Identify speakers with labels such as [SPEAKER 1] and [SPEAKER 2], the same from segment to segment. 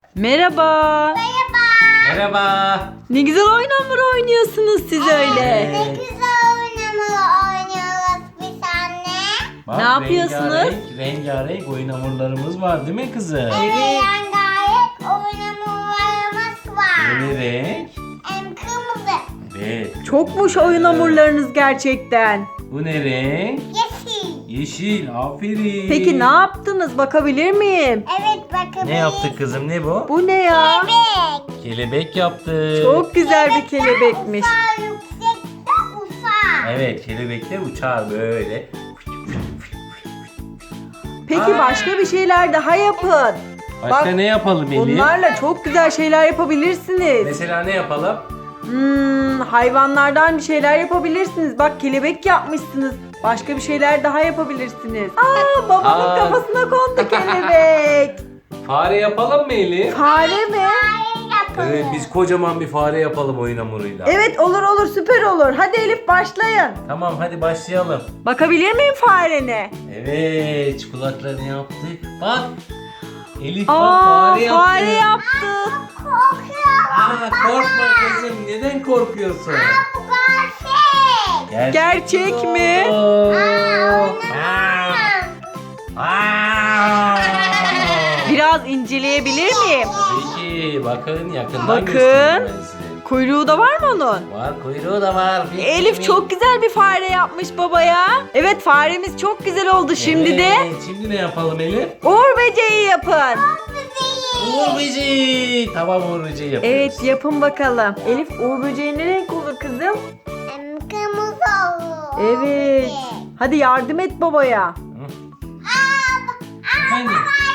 [SPEAKER 1] Merhaba.
[SPEAKER 2] Merhaba.
[SPEAKER 1] Ne güzel oyun hamuru oynuyorsunuz siz öyle.
[SPEAKER 2] Evet.
[SPEAKER 3] Ne güzel oynamalı oynuyoruz biz anne.
[SPEAKER 2] Bak,
[SPEAKER 1] Ne yapıyorsunuz?
[SPEAKER 2] Rengarenk oyun hamurlarımız var değil mi kızım?
[SPEAKER 3] Evet. Rengarenk oynamalarımız
[SPEAKER 2] Bu
[SPEAKER 3] var.
[SPEAKER 2] ne renk?
[SPEAKER 3] Kırmızı,
[SPEAKER 2] Evet.
[SPEAKER 1] Çokmuş oyun hamurlarınız gerçekten.
[SPEAKER 2] Bu ne renk?
[SPEAKER 3] yeşil.
[SPEAKER 2] Yeşil. Aferin.
[SPEAKER 1] Peki ne yaptınız? Bakabilir miyim?
[SPEAKER 3] Evet bakın.
[SPEAKER 2] Ne yaptık kızım? Ne bu?
[SPEAKER 1] Bu ne ya?
[SPEAKER 3] Bebek.
[SPEAKER 2] Kelebek yaptık.
[SPEAKER 1] Çok güzel bir kelebekmiş.
[SPEAKER 3] Uçar yüksekte uçar.
[SPEAKER 2] Evet, kelebekler uçar böyle.
[SPEAKER 1] Peki başka bir şeyler daha yapın.
[SPEAKER 2] Başka
[SPEAKER 1] Bak,
[SPEAKER 2] ne yapalım Elif?
[SPEAKER 1] Bunlarla çok güzel şeyler yapabilirsiniz.
[SPEAKER 2] Mesela ne yapalım?
[SPEAKER 1] Hayvanlardan bir şeyler yapabilirsiniz. Bak kelebek yapmışsınız. Başka bir şeyler daha yapabilirsiniz. Babamın
[SPEAKER 2] Aa.
[SPEAKER 1] kafasına kondu kelebek.
[SPEAKER 2] Fare yapalım mı Elif?
[SPEAKER 1] Fare mi?
[SPEAKER 3] Hayır yapalım.
[SPEAKER 2] Evet, biz kocaman bir fare yapalım oyun hamuruyla.
[SPEAKER 1] Evet olur süper olur. Hadi Elif başlayın.
[SPEAKER 2] Tamam, hadi başlayalım.
[SPEAKER 1] Bakabilir miyim farene?
[SPEAKER 2] Evet, kulaklarını yaptık. Bak. Elif bak,
[SPEAKER 1] Aa,
[SPEAKER 2] fare yaptı.
[SPEAKER 1] fare yaptı.
[SPEAKER 3] Korkuyorum.
[SPEAKER 2] Korkma kızım. Neden korkuyorsun?
[SPEAKER 3] Bu gerçek.
[SPEAKER 1] Gerçek mi? Biraz inceleyebilir miyim?
[SPEAKER 2] Peki, bakın yakından
[SPEAKER 1] Bakın.
[SPEAKER 2] göstereyim ben size.
[SPEAKER 1] Kuyruğu da var mı onun?
[SPEAKER 2] Var, kuyruğu da var.
[SPEAKER 1] Elif çok güzel bir fare yapmış babaya. Evet faremiz çok güzel oldu. Şimdi de
[SPEAKER 2] Evet, şimdi ne yapalım Elif?
[SPEAKER 1] uğur böceği yapın.
[SPEAKER 2] Uğur böceği. Tamam, Uğur böceği yapıyoruz.
[SPEAKER 1] Evet yapın bakalım. Elif uğur böceği ne renk olur kızım?
[SPEAKER 3] Kırmızı olur.
[SPEAKER 1] Evet. Hadi yardım et babaya.
[SPEAKER 2] Efendim?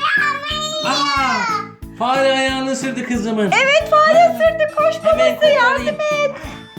[SPEAKER 2] Fare ayağını ısırdı kızımın.
[SPEAKER 1] Evet fare ısırdı. Koş
[SPEAKER 2] Hemen
[SPEAKER 1] babası yardım
[SPEAKER 2] kurtarayım.
[SPEAKER 1] et.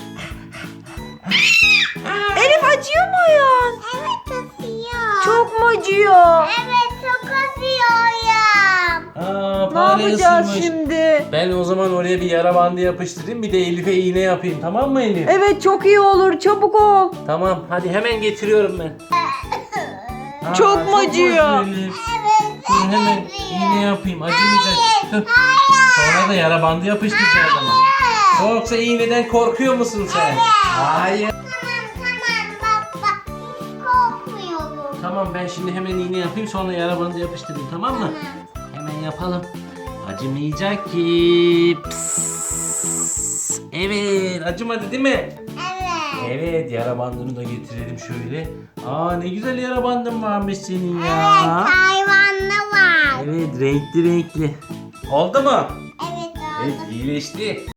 [SPEAKER 1] Elif acıyor mu ayağın?
[SPEAKER 3] Evet acıyor.
[SPEAKER 1] Çok mu acıyor?
[SPEAKER 3] Evet çok acıyorum.
[SPEAKER 2] Aa,
[SPEAKER 1] Ne
[SPEAKER 2] fare
[SPEAKER 1] yapacağız
[SPEAKER 2] ısırmış.
[SPEAKER 1] şimdi?
[SPEAKER 2] Ben o zaman oraya bir yara bandı yapıştırayım. Bir de Elif'e iğne yapayım. Tamam mı Elif?
[SPEAKER 1] Evet çok iyi olur. Çabuk ol.
[SPEAKER 2] Tamam. Hadi hemen getiriyorum ben. Aa,
[SPEAKER 1] Çok mu acıyor?
[SPEAKER 2] Elif. Dur hemen iğne yapayım. Acımayacak. Dur. Sonra da yara bandı yapıştıracağız ama. Yoksa iğneden korkuyor musun sen? Hayır.
[SPEAKER 3] Tamam baba. Hiç korkmuyorum.
[SPEAKER 2] Tamam, ben şimdi hemen iğne yapayım, sonra yara bandı yapıştırayım, tamam mı? Hemen yapalım. Acımayacak ki. Pıs. Evet, acımadı değil mi?
[SPEAKER 3] Evet.
[SPEAKER 2] Evet, yara bandını da getirelim şöyle. Aa, ne güzel yara bandın varmış senin
[SPEAKER 3] Evet
[SPEAKER 2] ya.
[SPEAKER 3] hayvanlı var.
[SPEAKER 2] Evet, renkli renkli. Oldu mu?
[SPEAKER 3] Evet oldu.
[SPEAKER 2] Evet, iyileşti.